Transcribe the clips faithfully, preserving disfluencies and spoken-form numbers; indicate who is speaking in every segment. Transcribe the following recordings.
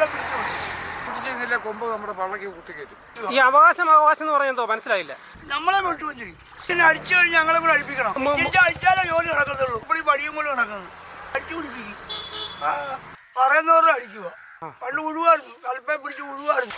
Speaker 1: കൊമ്പ് നമ്മുടെ പള്ളക്ക് കുത്തിക്കയറ്റും.
Speaker 2: ഈ അവകാശം അവകാശം എന്ന് പറയുന്നത് മനസ്സിലായില്ല.
Speaker 1: നമ്മളെ വിട്ടുകയും ചെയ്യും. പിന്നെ അടിച്ചു കഴിഞ്ഞ് ഞങ്ങളെ കൂടെ അടിപ്പിക്കണം. അടിച്ചാലേ ജോലി നടക്കത്തുള്ളൂ. ഇപ്പോൾ ഈ പടിയും കൊണ്ട് നടക്കുന്നത് അടിച്ചു പിടിപ്പിക്കും. പറയുന്നവരുടെ അടിക്കുക. പണ്ട് ഉഴുവായിരുന്നു, കൽപ്പയെ പിടിച്ച് ഉഴുവായിരുന്നു.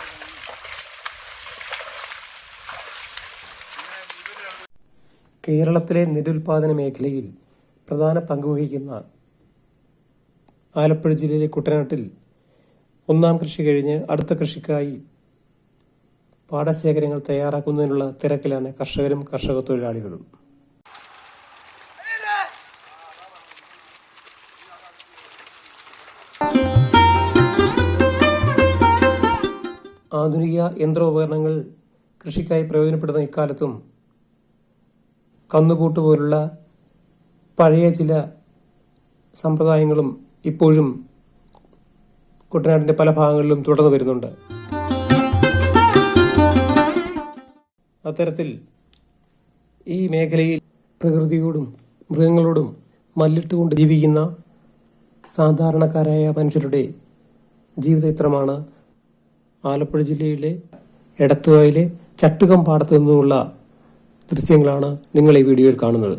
Speaker 3: കേരളത്തിലെ നെല്ലുൽപാദന മേഖലയിൽ പ്രധാന പങ്കുവഹിക്കുന്ന ആലപ്പുഴ ജില്ലയിലെ കുട്ടനാട്ടിൽ ഒന്നാം കൃഷി കഴിഞ്ഞ് അടുത്ത കൃഷിക്കായി പാടശേഖരങ്ങൾ തയ്യാറാക്കുന്നതിനുള്ള തിരക്കിലാണ് കർഷകരും കർഷക തൊഴിലാളികളും. ആധുനിക യന്ത്രോപകരണങ്ങൾ കൃഷിക്കായി പ്രയോജനപ്പെടുന്ന ഇക്കാലത്തും കന്നുകൂട്ട് പോലുള്ള പഴയ ചില സമ്പ്രദായങ്ങളും ഇപ്പോഴും കുട്ടനാടിന്റെ പല ഭാഗങ്ങളിലും തുടർന്നു വരുന്നുണ്ട്. അത്തരത്തിൽ ഈ മേഖലയിൽ പ്രകൃതിയോടും മൃഗങ്ങളോടും മല്ലിട്ടുകൊണ്ട് ജീവിക്കുന്ന സാധാരണക്കാരായ മനുഷ്യരുടെ ജീവിതചിത്രമാണ് ആലപ്പുഴ ജില്ലയിലെ എടത്തുവായിലെ ചട്ടുകം പാടത്തു നിന്നുമുള്ള ദൃശ്യങ്ങളാണ് നിങ്ങൾ ഈ വീഡിയോയിൽ കാണുന്നത്.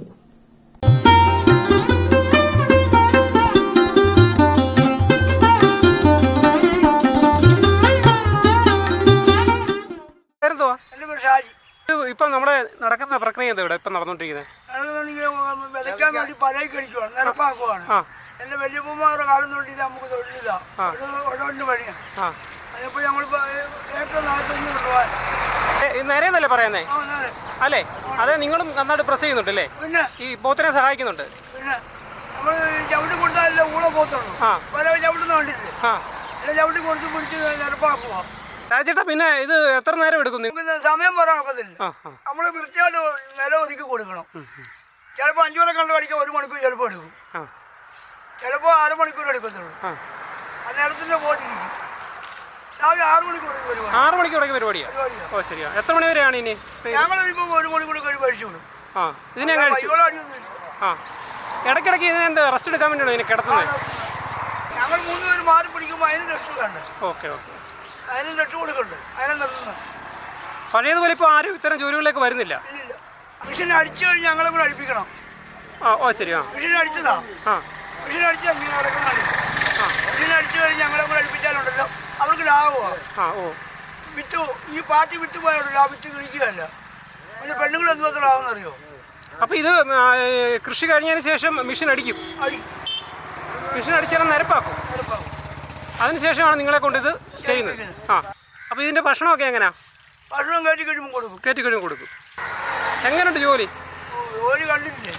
Speaker 2: ഇപ്പം നമ്മുടെ നടക്കുന്ന പ്രക്രിയ എന്താ ഇവിടെ ഇപ്പം നടന്നുകൊണ്ടിരിക്കുന്നത്?
Speaker 1: വിതയ്ക്കാൻ വേണ്ടി പലയ്ക്ക് അടിക്കുവാണ്, നിരപ്പാക്കുവാണ്. എന്റെ വലിയപ്പന്മാരുടെ കാലം തൊട്ട് ഇത് നമുക്ക് തൊഴിലില്ല, ഒഴിവിന് പണിയാണ്. അതിപ്പോ ഞങ്ങൾ ഏറ്റവും നാൽപ്പത്തഞ്ഞൂറ് രൂപ
Speaker 2: നേരെയെന്നല്ലേ പറയുന്നേ? അല്ലേ? അതെ, നിങ്ങളും നന്നായിട്ട് പ്രസ് ചെയ്യുന്നുണ്ടല്ലേ? പിന്നെ ഈ പോത്തിനെ സഹായിക്കുന്നുണ്ട്.
Speaker 1: പിന്നെ നമ്മൾ ചവിട്ടി കൊടുത്താലല്ലേ ഊളെ പോത്തുള്ളൂ. പല ചവിട്ടുന്ന കണ്ടില്ലേ? ചവിട്ടി കൊടുത്ത് പിടിച്ച് നിരപ്പാക്കുക.
Speaker 2: രാജേട്ടാ, പിന്നെ ഇത് എത്ര നേരം എടുക്കും?
Speaker 1: സമയം പറയാൻ ഒക്കത്തില്ല. നമ്മള് വൃത്തിയായിട്ട് നില ഒതുക്കി കൊടുക്കണം. ചിലപ്പോ അഞ്ചു വരെ കണ്ടു പഠിക്കാൻ ഒരു മണിക്കൂർ ചിലപ്പോ എടുക്കും, ചിലപ്പോ അരമണിക്കൂർ എടുക്കത്തുള്ളൂ. ആ നേരത്തിന്റെ പോറ്റിരിക്കും. രാവിലെ ആറ് മണിക്കൂർ
Speaker 2: ആറ് മണിക്കൂറൊക്കെ പരിപാടിയാണ്. ഓ ശരിയാ. എത്ര മണി വരെയാണ് ഇനി?
Speaker 1: ഞങ്ങൾ ഇപ്പൊ ഒരു മണിക്കൂർ കഴിവ് കഴിച്ചു കൊടുക്കും.
Speaker 2: ആ ഇതിനെ കഴിച്ചു. ആ ഇടയ്ക്കിടയ്ക്ക് ഇതിനെ എന്താ റെസ്റ്റ് എടുക്കാൻ വേണ്ടിയാണ് ഇതിനെ കിടത്തുന്നത്?
Speaker 1: ഞങ്ങൾ മൂന്ന് പേര് മാറി പിടിക്കുമ്പോൾ അതിന് റെസ്റ്റ് വേണ്ട.
Speaker 2: Okay okay.
Speaker 1: അതിന് റെസ്റ്റ് കൊടുക്കണ്ട്. അതിനെ നിർത്തുന്നത്
Speaker 2: പഴയതുപോലെ ഇപ്പോൾ ആരും ഇത്തരം ജോലികളിലേക്ക് വരുന്നില്ല.
Speaker 1: ഇല്ലില്ല. മെഷീൻ അടിച്ചു കഴിഞ്ഞ് ഞങ്ങളെ കൂടെ അടിപ്പിക്കണം.
Speaker 2: ആ ഓ ശരിയാ.
Speaker 1: മെഷീൻ അടിച്ചതാ. ആ മെഷീൻ അടിച്ചാൽ ഇങ്ങനെ നടക്കുന്നതാണ്. ആ മെഷീൻ അടിച്ചു കഴിഞ്ഞ് ഞങ്ങളെ കൂടെ അടിപ്പിച്ചാലുണ്ടല്ലോ അവർക്ക് ലാഭമാണ്. ആ ഓ വിറ്റ് ഈ പാർട്ടി വിറ്റ് പോയാലോ ആ വിറ്റ് കിളിക്കുകയല്ല. പിന്നെ പെണ്ണുങ്ങൾ എന്ത് മാത്രം ആവുമെന്നറിയോ?
Speaker 2: അപ്പോൾ ഇത് കൃഷി കഴിഞ്ഞതിന് ശേഷം മെഷീൻ അടിക്കും. മെഷീൻ അടിച്ചാൽ നിരപ്പാക്കും. അതിനുശേഷമാണ് നിങ്ങളെ കൊണ്ട് ഇത് ചെയ്യുന്നത്. ആ അപ്പോൾ ഇതിൻ്റെ ഭക്ഷണമൊക്കെ എങ്ങനെയാ?
Speaker 1: ഭക്ഷണം കയറ്റി കഴിയുമ്പോൾ കൊടുക്കും.
Speaker 2: കയറ്റി കഴിയുമ്പോൾ കൊടുക്കും. എങ്ങനെയുണ്ട് ജോലി?
Speaker 1: ജോലി കണ്ടിട്ടില്ലേ?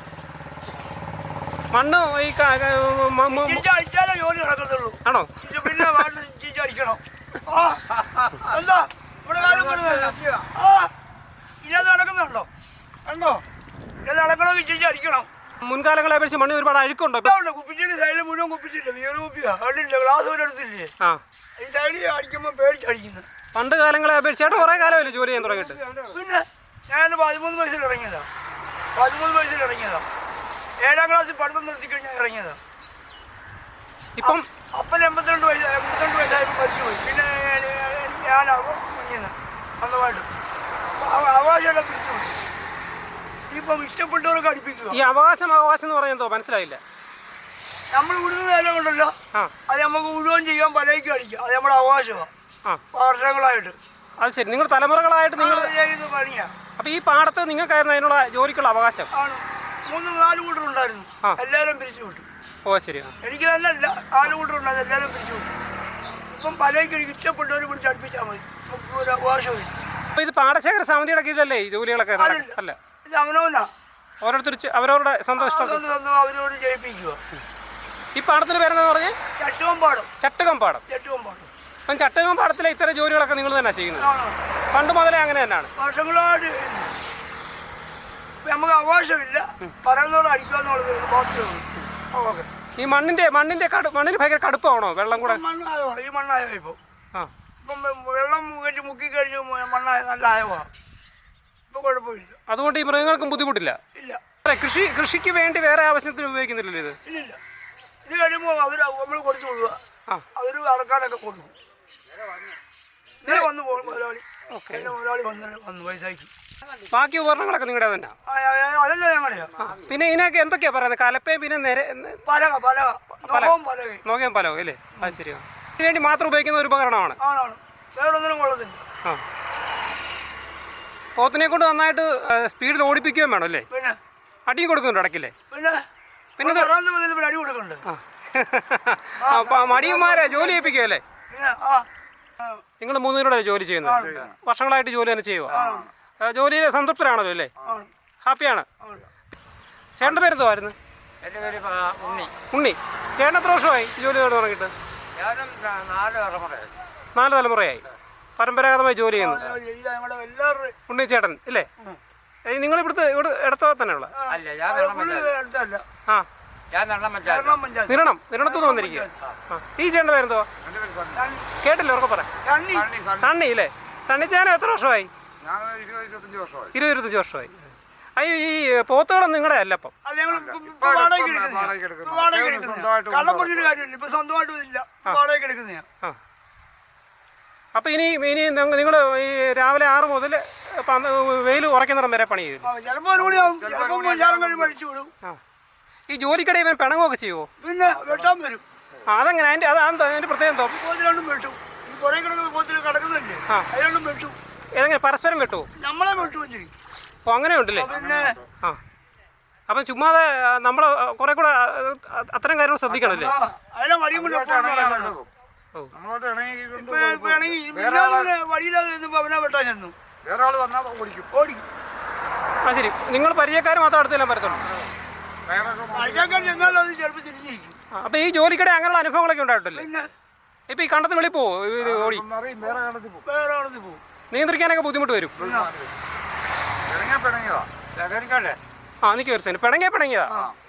Speaker 2: മണ്ണ് ഈ
Speaker 1: അടിച്ചാലേ ജോലി നടക്കത്തുള്ളൂ.
Speaker 2: ആണോ?
Speaker 1: പിന്നെ അടിക്കണം. എന്താ ഇവിടെ കാലം ഇന്നത് നടക്കുന്നുണ്ടോ? കണ്ടോ? ഇത് നടക്കണമെങ്കിൽ ചേച്ചി അടിക്കണം.
Speaker 2: മുൻകാലങ്ങളെ അപേക്ഷിച്ച് മണ്ണ് ഒരുപാട് അഴുക്കുണ്ടോ?
Speaker 1: കുപ്പിച്ചിട്ട് സൈഡിൽ മുഴുവൻ കുപ്പിച്ചില്ല. വേറെ കുപ്പിയാ കണ്ടില്ല. ഗ്ലാസ് പോലും എടുത്തില്ലേ? ആ ഈ സൈഡിൽ അടിക്കുമ്പോൾ പേടിച്ചടിക്കുന്നത്.
Speaker 2: പണ്ട് കാലങ്ങളെ അപേക്ഷിച്ചായിട്ട് കുറേ കാലമല്ലേ ജോലി ചെയ്യാൻ തുടങ്ങിയിട്ട്?
Speaker 1: പിന്നെ ഞാൻ പതിമൂന്ന് വയസ്സിൽ ഇറങ്ങിയതാ. പതിമൂന്ന് വയസ്സിൽ ഇറങ്ങിയതാ. ഏഴാം ക്ലാസ്സിൽ പഠിത്തം നിർത്തി കഴിഞ്ഞാൽ ഇറങ്ങിയതാ. ഇപ്പം അപ്പം എൺപത്തിരണ്ട് വയസ്സ് എൺപത്തിരണ്ട് വയസ്സായപ്പോൾ മരിച്ചുപോയി. പിന്നെ ഞാനാകും പണിയുന്നത് സ്വന്തമായിട്ട് അവകാശമൊക്കെ തിരിച്ചുപോയി. ഇപ്പം ഇഷ്ടപ്പെട്ടവരൊക്കെ അടുപ്പിക്കുക.
Speaker 2: ഈ അവകാശം അവകാശം എന്ന് പറയുന്നത് മനസ്സിലായില്ല.
Speaker 1: നമ്മൾ വിടുന്ന നേരം കൊണ്ടല്ലോ അത് നമുക്ക് മുഴുവൻ ചെയ്യാൻ പലയ്ക്കും അടിക്കാം. അത് നമ്മുടെ അവകാശമാണ് വർഷങ്ങളായിട്ട്.
Speaker 2: അത് ശരി. നിങ്ങൾ തലമുറകളായിട്ട് നിങ്ങൾ
Speaker 1: ചെയ്യുന്ന പണിയാണ്.
Speaker 2: അപ്പം ഈ പാടത്ത് നിങ്ങൾക്കായിരുന്നു അതിനുള്ള ജോലിക്കുള്ള അവകാശം?
Speaker 1: ആണ്. മൂന്ന് നാല് കൂട്ടറുണ്ടായിരുന്നു, എല്ലാവരും പിരിച്ചു വിട്ടു.
Speaker 2: ഓ ശരി.
Speaker 1: എനിക്ക് നല്ലല്ല, നാല് കൂട്ടറുണ്ടായിരുന്നു, എല്ലാവരും പിരിച്ചു വിട്ടു. ഇപ്പം പലയ്ക്കും എനിക്ക് ഇഷ്ടപ്പെട്ടവർ പിടിച്ച് അടുപ്പിച്ചാൽ മതി, നമുക്ക് ഒരു അവകാശമില്ല.
Speaker 2: അപ്പോൾ ഇത് പാടശേഖര സമിതിയുടെ കീഴിലല്ലേ ഈ ജോലികളൊക്കെ? അല്ല,
Speaker 1: ഇത് അവനവനാ.
Speaker 2: ഓരോരുത്തർ അവരവരുടെ സ്വന്തം ഇഷ്ടം
Speaker 1: അവരോട് ജയിപ്പിക്കുക.
Speaker 2: ഈ പാടത്തിന് പേരെന്താന്ന് പറഞ്ഞേ?
Speaker 1: ചട്ടുകം പാടം.
Speaker 2: ചട്ടുകം പാടം.
Speaker 1: ചട്ടുകം പാടം.
Speaker 2: അപ്പം ചട്ടുകം പാടത്തിലെ ഇത്തരം ജോലികളൊക്കെ നിങ്ങൾ തന്നെ ചെയ്യുന്നത്? പണ്ട് മുതലേ അങ്ങനെ തന്നെയാണ്.
Speaker 1: വർഷങ്ങളായിട്ട് നമുക്ക് അവകാശമില്ല, പറയുന്നവർ അടിക്കുക എന്നുള്ളത് മാത്രമേ ഉള്ളൂ.
Speaker 2: ഈ മണ്ണിന്റെ മണ്ണിന്റെ മണ്ണിന് ഭയങ്കര കടുപ്പാണോ? വെള്ളം കൂടെ
Speaker 1: മണ്ണായോ? ഈ മണ്ണായോ ഇപ്പോൾ? ആ ഇപ്പം വെള്ളം കയറ്റി മുക്കി കഴിഞ്ഞ് മണ്ണായ നല്ല ആയവാ. ഇപ്പം കുഴപ്പമില്ല.
Speaker 2: അതുകൊണ്ട് ഈ മൃഗങ്ങൾക്കും ബുദ്ധിമുട്ടില്ല.
Speaker 1: ഇല്ല.
Speaker 2: കൃഷി കൃഷിക്ക് വേണ്ടി വേറെ ആവശ്യത്തിന് ഉപയോഗിക്കുന്നില്ലല്ലോ ഇത്?
Speaker 1: ഇല്ലില്ല. ഇത് കഴിയുമ്പോൾ അവർ നമ്മൾ കൊടുത്തു വിടുക. അവർ അറക്കാനൊക്കെ കൊടുക്കും. ഇന്നലെ വന്നു പോകും മുതലാളി. പിന്നെ മുതലാളി വന്ന് വന്നു പൈസയ്ക്ക്.
Speaker 2: ബാക്കി ഉപകരണങ്ങളൊക്കെ നിങ്ങളുടെ തന്നെ?
Speaker 1: അതല്ല ഞങ്ങളുടെയാ.
Speaker 2: പിന്നെ ഇതിനൊക്കെ എന്തൊക്കെയാ പറയുന്നത്? കലപ്പയും പിന്നെ നിര
Speaker 1: പലക പലക നോക്കവും പലകയും
Speaker 2: നോക്കിയാൽ പലവും അല്ലേ? അത് ശരിയാണ്. ഇതിന് വേണ്ടി മാത്രം ഉപയോഗിക്കുന്ന ഒരു ഉപകരണമാണ്.
Speaker 1: ആണാണ്, വേറൊന്നിനും കൊള്ളത്തില്ല.
Speaker 2: ആ, പോത്തിനെ കൊണ്ട് നന്നായിട്ട് സ്പീഡിൽ ഓടിപ്പിക്കുകയും വേണം അല്ലേ?
Speaker 1: പിന്നെ
Speaker 2: അടിയും കൊടുക്കുന്നുണ്ട് ഇടയ്ക്കില്ലേ?
Speaker 1: പിന്നെ
Speaker 2: പിന്നെ
Speaker 1: പിന്നെ അടി കൊടുക്കണ്ട്.
Speaker 2: മടിയന്മാരെ ജോലി ചെയ്യിപ്പിക്കുകയല്ലേ?
Speaker 1: പിന്നെ ആ
Speaker 2: നിങ്ങൾ മൂന്നുപേരുടെ ജോലി ചെയ്യുന്നത്? വർഷങ്ങളായിട്ട് ജോലി തന്നെ ചെയ്യുക. ജോലിയിൽ സംതൃപ്തരാണല്ലോ അല്ലേ? ഹാപ്പിയാണ്. ചേട്ടൻ്റെ പേരെന്തുവായിരുന്നു?
Speaker 4: എൻ്റെ പേര് ഉണ്ണി.
Speaker 2: ഉണ്ണി. ചേട്ടൻ എത്ര വർഷമായി ജോലി തുടങ്ങിയിട്ട്?
Speaker 4: ഞാനും നാല് തലമുറയായി.
Speaker 2: നാല് തലമുറയായി പരമ്പരാഗതമായി ജോലി ചെയ്യുന്നു.
Speaker 1: ഞങ്ങളുടെ എല്ലാവരുടെയും
Speaker 2: ഉണ്ണി ചേട്ടൻ ഇല്ലേ? നിങ്ങൾ ഇവിടുത്തെ ഇവിടെ ഇടത്തോ തന്നെയുള്ള?
Speaker 4: അല്ല, ഞാൻ നെണ്ണം പഞ്ചായത്ത്.
Speaker 1: അടുത്തല്ല.
Speaker 2: ആ,
Speaker 4: ഞാൻ നെണ്ണം പഞ്ചായത്ത്.
Speaker 1: കാരണം പഞ്ചായത്ത്
Speaker 2: നിരണം നിരണത്തുനിന്ന് വന്നിരിക്കുക. ആ, ഈ ചേട്ടൻ്റെ പേരെന്തോ?
Speaker 4: എൻ്റെ പേര് സണ്ണി.
Speaker 2: കേട്ടില്ല, ഉറക്കെ പറയാം.
Speaker 1: തണ്ണി
Speaker 4: സണ്ണി, സണ്ണി.
Speaker 2: സണ്ണി ഇല്ലേ? സണ്ണി ചേട്ടൻ എത്ര വർഷമായി?
Speaker 4: ഞാൻ ഇരുപത് ഇരുപത്തഞ്ച് വർഷമായി.
Speaker 2: ഇരുപത് ഇരുപത്തഞ്ച് വർഷമായി. അയ്യോ, ഈ പോത്തുകളൊന്നും നിങ്ങളുടെ അല്ല അപ്പം?
Speaker 1: അത് ഞങ്ങൾ ഇപ്പൊ വാടകയ്ക്ക് എടുക്കുന്നതാ.
Speaker 4: വാടകയ്ക്ക് എടുക്കുന്നു.
Speaker 1: ഇപ്പൊ വാടകയ്ക്ക്
Speaker 4: സ്വന്തമായിട്ട്
Speaker 1: എടുക്കുന്നതാ. കള്ളം പറഞ്ഞിട്ട് കാര്യമില്ല. ഇപ്പൊ സ്വന്തമായിട്ടും ഇല്ല, വാടകയ്ക്ക് എടുക്കുന്നതാ.
Speaker 2: ആ, അപ്പം ഇനി ഇനി നിങ്ങൾ ഈ രാവിലെ ആറ് മുതൽ വെയിൽ ഉറക്കുന്നിടം വരെ പണി ചെയ്തു?
Speaker 1: ആ, ചിലപ്പോ ഒരു മണിയാവും, ചിലപ്പോ ഞാനും കഴിയും അഴിച്ചു വിടും.
Speaker 2: ആ, ഈ ജോലിക്കിടെ ഇവൻ പിണങ്ങുമൊക്കെ ചെയ്യുമോ?
Speaker 1: പിന്നെ വെട്ടാൻ വരും.
Speaker 2: ആ, അതെങ്ങനെ? അതിൻ്റെ അത് അതിൻ്റെ പ്രത്യേകം എന്തോ?
Speaker 1: പോത്തിരണ്ടും വെട്ടും. ഈ പുറകെ കിടക്കുന്ന പോത്തിൽ കിടക്കുന്നില്ലേ,
Speaker 2: ആ.
Speaker 1: അതിരണ്ടും വെട്ടും.
Speaker 2: ഏതെങ്ങനെ പരസ്പരം വെട്ടുമോ?
Speaker 1: നമ്മളെ വെട്ടുകയും ചെയ്യും.
Speaker 2: അപ്പോൾ അങ്ങനെ ഉണ്ടല്ലേ?
Speaker 1: പിന്നെ
Speaker 2: ആ, അപ്പം ചുമ്മാതെ നമ്മൾ കുറെ കൂടെ അത്തരം കാര്യങ്ങൾ ശ്രദ്ധിക്കണമല്ലേ?
Speaker 1: ആ, അതിനെ വടിയും കൊണ്ട് എപ്പോഴും നടക്കണം.
Speaker 2: ഓ,
Speaker 4: നമ്മളോട്ട് ഇണങ്ങിക്കൊണ്ട്
Speaker 1: ഇപ്പൊ ഇപ്പൊ ആണെങ്കിൽ മിനിഞ്ഞാന്ന് വടിയില്ലാതെ നിന്നപ്പോ അവനെ വെട്ടാൻ ചെന്നു.
Speaker 4: വേറെ ആൾ വന്നാൽ ഓടിക്കും.
Speaker 1: ഓടിക്കും.
Speaker 2: ആ ശരി. നിങ്ങൾ പരിചയക്കാർ മാത്രം അടുത്തെല്ലാം വരത്തുള്ളൂ?
Speaker 1: അഴിക്കാൻ ചെന്നാലും അത് ചിലപ്പോൾ തിരിഞ്ഞിരിക്കും.
Speaker 2: അപ്പം ഈ ജോലിക്കിടെ അങ്ങനെയുള്ള അനുഭവങ്ങളൊക്കെ ഉണ്ടായിട്ടില്ലേ?
Speaker 1: പിന്നെ
Speaker 2: ഇപ്പം ഈ കണ്ടത്തിന് വെളി പോവോ ഇത് ഓടി?
Speaker 4: വേറെ കാണത്തിൽ പോകും.
Speaker 1: വേറെ ആളത് പോകും.
Speaker 2: നിയന്ത്രിക്കാനൊക്കെ ബുദ്ധിമുട്ട് വരും.
Speaker 4: പിണങ്ങിയാ പിണങ്ങിയതാ. ലഹരിക്കല്ലേ?
Speaker 2: ആ, എനിക്ക് വരച്ചു പിണങ്ങിയ പിണങ്ങിയതാ.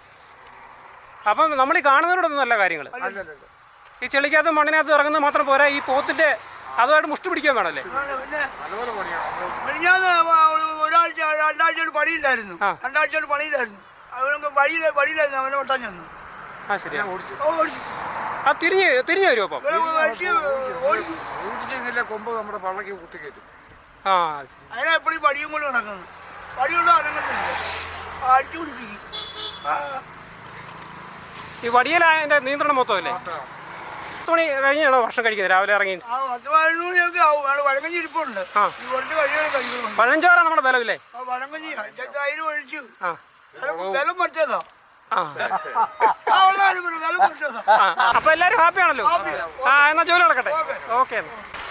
Speaker 2: അപ്പം നമ്മൾ ഈ കാണുന്നവരോടൊന്നും നല്ല കാര്യങ്ങൾ. ഈ ചെളിക്കകത്തും മണ്ണിനകത്തും ഇറങ്ങുന്നത് മാത്രം പോരാ, ഈ പോത്തിൻ്റെ അതുമായിട്ട് മുഷ്ടി പിടിക്കാൻ വേണമല്ലേ?
Speaker 1: പിന്നെ
Speaker 4: നല്ലപോലെ പണിയാണ്.
Speaker 1: മിനിഞ്ഞാന്ന് ഒരാഴ്ച രണ്ടാഴ്ച കൊണ്ട് പണിയില്ലായിരുന്നു.
Speaker 2: ആ.
Speaker 1: രണ്ടാഴ്ച കൊണ്ട് പണിയില്ലായിരുന്നു. അവനൊക്കെ വഴിയിൽ വഴിയിലായിരുന്നു, അവനെ വെട്ടാൻ ചെന്നു.
Speaker 2: ആ ശരിയാ.
Speaker 1: ഓ, ഓടിക്കും.
Speaker 2: ആ തിരിഞ്ഞ് തിരിഞ്ഞു വരുമോ അപ്പം?
Speaker 1: ഇവനെ വെട്ടി ഓടിക്കും.
Speaker 4: ഓടിച്ചില്ല കൊമ്പ് നമ്മുടെ പള്ളക്ക് കുത്തിക്കയറ്റും.
Speaker 2: ആ, അത് ശരി.
Speaker 1: അതിനെ എപ്പോഴും പടിയും കൊണ്ട് നടക്കുന്നത്. പടി കൊണ്ട് അനങ്ങത്തില്ല, അടിച്ചു പിടിപ്പിക്കും. ആ,
Speaker 2: ഈ വടിയിലായ എൻ്റെ നിയന്ത്രണം മൊത്തം അല്ലേ? പത്ത് മണി കഴിഞ്ഞാണോ ഭക്ഷണം കഴിക്കുന്നത് രാവിലെ ഇറങ്ങി?
Speaker 1: ആ പത്ത് പതിനൊന്ന് മണിയൊക്കെ ആവും. അവിടെ വഴങ്ങഞ്ഞി ഇരിപ്പുണ്ട്.
Speaker 2: ആ.
Speaker 1: ഈ കുറച്ച് കഴിയാണ് കഴിക്കുള്ളൂ.
Speaker 2: പഴഞ്ചോറാ നമ്മുടെ ബലമില്ലേ?
Speaker 1: ആ വഴങ്ങഞ്ഞി തൈര് ഒഴിച്ചു.
Speaker 2: ആ
Speaker 1: വിലം മറ്റേതാ.
Speaker 2: ആ
Speaker 1: ആ ഉള്ള കാര്യം പറയും, വിലം മറ്റേതാ.
Speaker 2: ആ, അപ്പം എല്ലാവരും ഹാപ്പിയാണല്ലോ? ആ, എന്നാൽ ജോലി നടക്കട്ടെ. ഓക്കെ.